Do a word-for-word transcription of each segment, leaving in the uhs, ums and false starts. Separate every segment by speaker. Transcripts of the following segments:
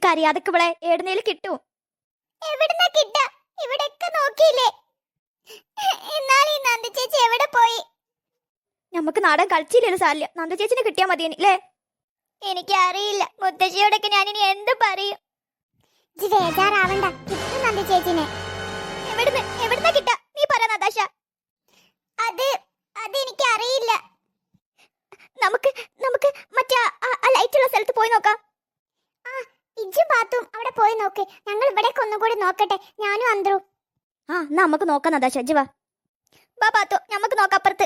Speaker 1: എനിക്കറിയാതൊക്കെ ഇവിടെ ഏടുന്നേലും കിട്ടും.
Speaker 2: എവിടുന്നാ കിട്ട? ഇവിടെയൊക്കെ നോക്കിയില്ലേ? എന്നാൽ ഈ നന്ദു ചേച്ചി എവിടെ പോയി?
Speaker 1: നമുക്ക് നാടൻ കളിച്ചില്ലല്ലോ സാരില്ല, നന്ദു ചേച്ചിനെ കിട്ടിയാ മതിയെനി അല്ലേ?
Speaker 2: എനിക്കറിയില്ല, മുത്തശ്ശിയോടൊക്കെ ഞാനിനി എന്ത് പറയും? ജി ബേജാറാവണ്ട, കിട്ടും നന്ദു ചേച്ചിനെ.
Speaker 1: എവിടുന്ന് എവിടുന്നാ കിട്ടാ? നീ പറ നതാശ.
Speaker 2: അത് അതെനിക്ക് അറിയില്ല.
Speaker 1: നമുക്ക് നമുക്ക് മറ്റേ ആ ലൈറ്റുള്ള സ്ഥലത്ത് പോയി നോക്കാം.
Speaker 2: ആ ഇജ്ജും പാത്തും അവിടെ പോയി നോക്ക്. ഞങ്ങൾ ഇവിടേക്ക് ഒന്നുകൂടി നോക്കട്ടെ, ഞാനും അന്ത്രു.
Speaker 1: ആ എന്നാ നമുക്ക് നോക്കാം നതാശ. ഇജ്ജ് വാ. വാ പാത്തു, നമുക്ക് നോക്കാം അപ്പുറത്ത്.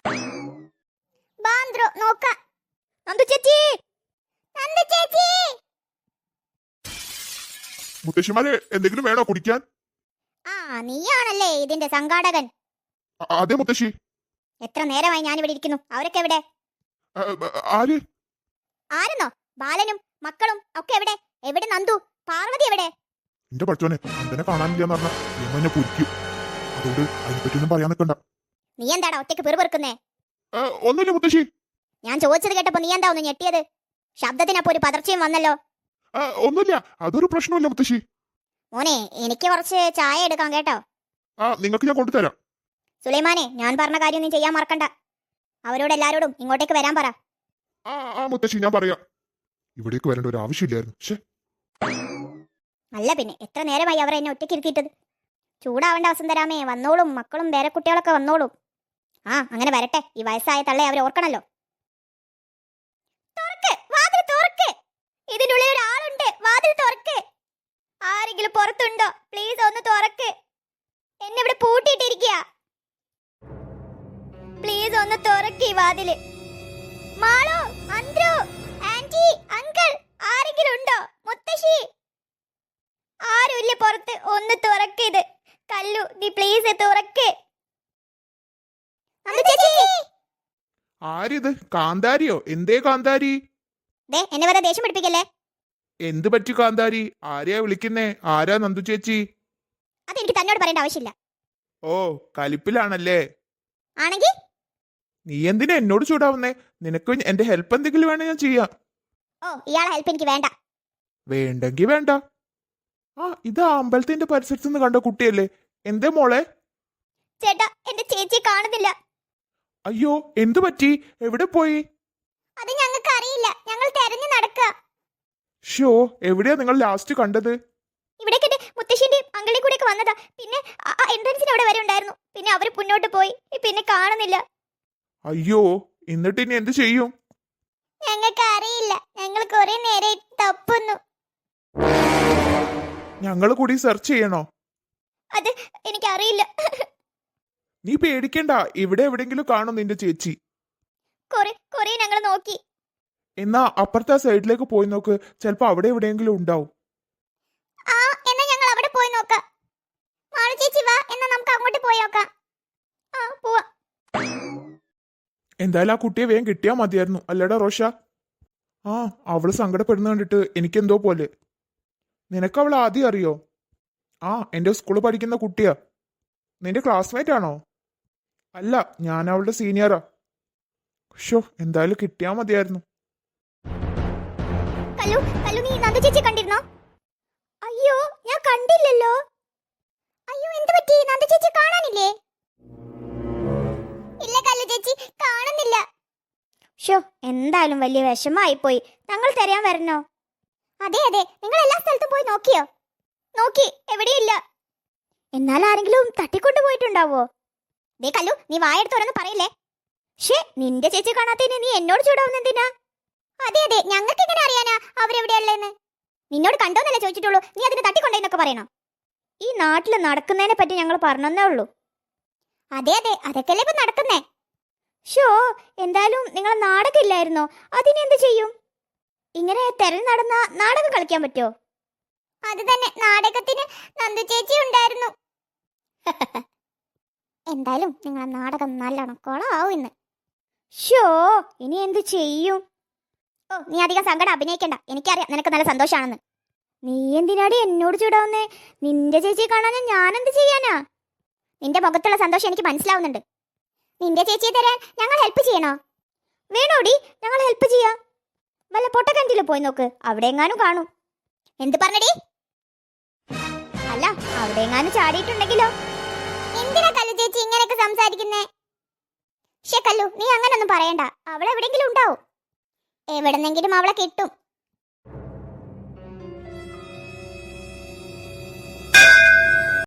Speaker 2: വാ അന്ത്രു, നോക്കാം.
Speaker 1: നന്ദു ചേച്ചി,
Speaker 2: നന്ദു ചേച്ചി.
Speaker 3: മുത്തശ്ശിമാരെ എന്തെങ്കിലും വേണോ കുടിക്കാൻ?
Speaker 2: ആ നീയാണല്ലേ ഇതിന്റെ സംഘാടകൻ?
Speaker 3: അ- അതെ മുത്തശ്ശി.
Speaker 2: എത്ര നേരമായി ഞാൻ ഇവിടെ ഇരിക്കുന്നു, അവരൊക്കെ എവിടെ?
Speaker 3: അ, അ, ആര്?
Speaker 2: ആരെന്നോ? ബാലനും മക്കളും ഒക്കെ എവിടെ? എവിടെ നന്ദു? പാർവതി എവിടെ?
Speaker 3: എന്റെ പഠിച്ചോനെ, എന്തിനെ കാണാനില്ലെന്ന് പറഞ്ഞാൽ നിയമ എന്നെ പൊരിക്കും. അതുകൊണ്ട് അതിനെപ്പറ്റിയൊന്നും പറയാൻ നിൽക്കണ്ട.
Speaker 2: നീ എന്താടാ ഒറ്റയ്ക്ക് പെറുപെറുക്കുന്നേ?
Speaker 3: ആ, ഒന്നുമില്ല മുത്തശ്ശി.
Speaker 2: ഞാൻ ചോദിച്ചത് കേട്ടപ്പോ നീ എന്താ ഒന്ന് ഞെട്ടിയത്? ശബ്ദത്തിനപ്പോ ഒരു പതർച്ചയും വന്നല്ലോ.
Speaker 3: ആ, ഒന്നുമില്ല, അതൊരു പ്രശ്നമില്ല മുത്തശ്ശി.
Speaker 2: മോനെ, എനിക്ക് കുറച്ച് ചായ എടുക്കാം കേട്ടോ.
Speaker 3: ആ, നിങ്ങൾക്ക് ഞാൻ കൊണ്ടുതരാം.
Speaker 2: സുലൈമാനെ, ഞാൻ പറഞ്ഞ കാര്യം നീ ചെയ്യാൻ മറക്കണ്ട. അവരോട് എല്ലാരോടും ഇങ്ങോട്ടേക്ക് വരാൻ പറ.
Speaker 3: ആ ആ മുത്തശ്ശി, ഞാൻ പറയാം. ഇവിടേക്ക് വരേണ്ട ഒരു ആവശ്യമില്ലായിരുന്നു. ശേ,
Speaker 2: അല്ല പിന്നെ എത്ര നേരമായി അവർ എന്നെ ഒറ്റയ്ക്ക് ഇരുത്തിയിട്ടത്? ചൂടാവേണ്ട വസന്തരാമേ, വന്നോളും, മക്കളും വേറെ കുട്ടികളൊക്കെ വന്നോളും. ആ അങ്ങനെ വരട്ടെ, ഈ വയസ്സായ തള്ളെ അവർ ഓർക്കണല്ലോ. തുറക്ക്, വാതിൽ തുറക്ക്. ഇതിന്റെ ഉള്ളിൽ ഒരാളുണ്ട്, വാതിൽ തുറക്ക്. ആരെങ്കിലും പുറത്തുണ്ടോ? പ്ലീസ് ഒന്ന് തുറക്ക്. എന്നെ ഇവിടെ പൂട്ടിയിട്ടിരിക്കുക. പ്ലീസ് ഒന്ന് തുറക്ക് ഈ വാതില്. മാളു, അന്ത്രു, ആന്റി, അങ്കിൾ, ആരെങ്കിലും ഉണ്ടോ? മുത്തശ്ശി, ആരുമില്ല പുറത്ത്. ഒന്ന് തുറക്ക് ഇത്. കല്ലു, നീ പ്ലീസ് തുറക്ക്.
Speaker 3: ആരിത്? കാന്താരിയോ? എന്തേ കാന്താരി?
Speaker 2: ദേ, എന്നെ വെറുതെ ദേഷ്യം പിടിപ്പിക്കല്ലേ.
Speaker 3: എന്ത് പറ്റി കാന്താരി? ആരെയാ വിളിക്കുന്നേ? ആരാ നന്ദു ചേച്ചി?
Speaker 2: അതെനിക്ക് തന്നോട് പറയേണ്ട ആവശ്യമില്ല.
Speaker 3: ഓ, കലിപ്പിലാണല്ലേ?
Speaker 2: ആണെങ്കിൽ
Speaker 3: നീ എന്തിനാ എന്നോട് ചൂടാവുന്നേ? നിനക്ക് എന്റെ ഹെൽപ്പ് എന്തെങ്കിലും വേണേ ഞാൻ ചെയ്യാം.
Speaker 2: ഓ, ഇയാളെ ഹെൽപ്പ് എനിക്ക് വേണ്ട.
Speaker 3: വേണ്ടെങ്കി വേണ്ട. ആ, ഇത് അമ്പലത്തിന്റെ പരിസരത്ത് നിന്ന് കണ്ട കുട്ടിയല്ലേ? എന്തേ മോളെ?
Speaker 2: ചേട്ടാ, എന്റെ ചേച്ചിയെ കാണുന്നില്ല.
Speaker 3: അയ്യോ, എന്തു പറ്റി? എവിടെ പോയി?
Speaker 2: അത് ഞങ്ങൾക്ക് അറിയില്ല, ഞങ്ങൾ തെരഞ്ഞു നടക്കുക.
Speaker 3: ഷോ, എവിടെയാ നിങ്ങൾ ലാസ്റ്റ് കണ്ടത്?
Speaker 2: ഇവിടേക്ക് എന്റെ മുത്തശ്ശിന്റെയും അങ്കിളിന്റെ കൂടെ ഒക്കെ വന്നതാ. പിന്നെ എൻട്രൻസിന് അവിടെ വരെ ഉണ്ടായിരുന്നു. പിന്നെ അവര് മുന്നോട്ട് പോയി, പിന്നെ കാണുന്നില്ല.
Speaker 3: അയ്യോ, എന്നിട്ട് ഇനി എന്ത് ചെയ്യും?
Speaker 2: ഞങ്ങൾക്ക് അറിയില്ല, ഞങ്ങൾ കുറെ നേരെ തപ്പുന്നു.
Speaker 3: ഞങ്ങള് കൂടി സെർച്ച് ചെയ്യണോ?
Speaker 2: അത് എനിക്കറിയില്ല.
Speaker 3: നീ പേടിക്കണ്ട, ഇവിടെ എവിടെങ്കിലും കാണും നിന്റെ ചേച്ചി.
Speaker 2: കുറെ കുറെ ഞങ്ങൾ നോക്കി.
Speaker 3: എന്നാ അപ്പുറത്തെ സൈഡിലേക്ക് പോയി നോക്ക്, ചിലപ്പോ അവിടെ എവിടെയെങ്കിലും ഉണ്ടാവും.
Speaker 2: ആ, എന്നാ ഞങ്ങൾ അവിടെ പോയി നോക്കാം. മാളു ചേച്ചി വാ, എന്നാ നമുക്ക് അങ്ങോട്ട് പോയി നോക്കാം. ആ, പോവാ.
Speaker 3: എന്തായാലും ആ കുട്ടിയെ വേഗം കിട്ടിയാ മതിയായിരുന്നു, അല്ലടാ റോഷ? ആ, അവള് സങ്കടപ്പെടുന്ന കണ്ടിട്ട് എനിക്കെന്തോ പോലെ. നിനക്ക് അവൾ ആദ്യം അറിയോ? ആ, എന്റെ സ്കൂളിൽ പഠിക്കുന്ന കുട്ടിയാ. നിന്റെ ക്ലാസ്മേറ്റ് ആണോ? അല്ല, ഞാൻ അവളുടെ സീനിയറാ. ഷോ, എന്തായാലും കിട്ടിയാ മതിയായിരുന്നു.
Speaker 2: കല്ലു, കല്ലു, നീ നന്ദു ചേച്ചി കണ്ടിരുന്നോ? അയ്യോ, ഞാൻ കണ്ടില്ലല്ലോ. അയ്യോ, എന്ത് പറ്റി? നന്ദു ചേച്ചി കാണാനില്ലേ? ഇല്ല കല്ലു ചേച്ചി, കാണുന്നില്ല.
Speaker 1: ഷോ, എന്തായാലും വലിയ വിഷമായി പോയി. ഞങ്ങൾ തരാൻ വരണോ?
Speaker 2: അതെ അതെ, നിങ്ങൾ എല്ലാ സ്ഥലത്തും പോയി നോക്കിയോ? നോക്കി, എവിടെയില്ല.
Speaker 1: എന്നാൽ ആരെങ്കിലും തട്ടിക്കൊണ്ടു പോയിട്ടുണ്ടാവോ?
Speaker 2: ദേ കല്ലു, നീ വായെടുത്ത് ഓരോന്ന് പറയില്ലേ.
Speaker 1: ഷേ, നിന്റെ ചേച്ചി കാണാത്തതിന് നീ എന്നോട് ചൂടാവുന്ന എന്തിനാ?
Speaker 2: അതെ അതെ, ഞങ്ങൾക്ക് എങ്ങനെ അറിയാനാ അവരെവിടെയുള്ളതെന്ന്? നിന്നോട് കണ്ടോന്നല്ലേ ചോദിച്ചിട്ടുള്ളൂ, നീ അതിന് തട്ടിക്കൊണ്ടേന്നൊക്കെ പറയണോ?
Speaker 1: ഈ നാട്ടിൽ നടക്കുന്നതിനെ പറ്റി ഞങ്ങൾ പറഞ്ഞേ ഉള്ളൂ.
Speaker 2: അതെ അതെ, അതൊക്കെയല്ലേ ഇപ്പൊ നടക്കുന്നേ.
Speaker 1: ഷോ, എന്തായാലും നിങ്ങൾ നാടകമില്ലായിരുന്നോ? അതിനെന്ത് ചെയ്യും? ഇങ്ങനെ തെരഞ്ഞു നടന്ന നാടകം കളിക്കാൻ പറ്റുമോ?
Speaker 2: അത് തന്നെ, നാടകത്തിന് നന്ദു ചേച്ചി ഉണ്ടായിരുന്നു. എന്തായാലും നിങ്ങളെ നാടകം നല്ലോണം കൊളാവും ഇന്ന്.
Speaker 1: ഷോ, ഇനി എന്ത് ചെയ്യും?
Speaker 2: ഓ, നീ അധികം സങ്കടം അഭിനയിക്കണ്ട, എനിക്കറിയാം നിനക്ക് നല്ല സന്തോഷാണെന്ന്.
Speaker 1: നീ എന്തിനാടി എന്നോട് ചൂടാവുന്നേ? നിന്റെ ചേച്ചി കാണാൻ ഞാൻ എന്ത് ചെയ്യാനാ?
Speaker 2: നിന്റെ മുഖത്തുള്ള സന്തോഷം എനിക്ക് മനസ്സിലാവുന്നുണ്ട്. നിന്റെ ചേച്ചിയെ തരാൻ ഞങ്ങൾ ഹെൽപ്പ് ചെയ്യണോ?
Speaker 1: വേണോടി, ഞങ്ങൾ ഹെൽപ്പ് ചെയ്യാം. വല്ല പൊട്ടക്കഞ്ചിൽ പോയി നോക്ക്, അവിടെ എങ്ങാനും കാണും.
Speaker 2: എന്ത് പറഞ്ഞടി?
Speaker 1: അല്ല അവിടെ എങ്ങാനും ചാടിയിട്ടുണ്ടെങ്കിലോ?
Speaker 2: എന്തിനാ കല്ലു ചേച്ചി ഇങ്ങനെയൊക്കെ സംസാരിക്കുന്നേ? പക്ഷേ കല്ലു, നീ അങ്ങനൊന്നും പറയണ്ട. അവൾ എവിടെങ്കിലും ഉണ്ടാവും. എവിടെന്നെങ്കിലും അവളെ കിട്ടും.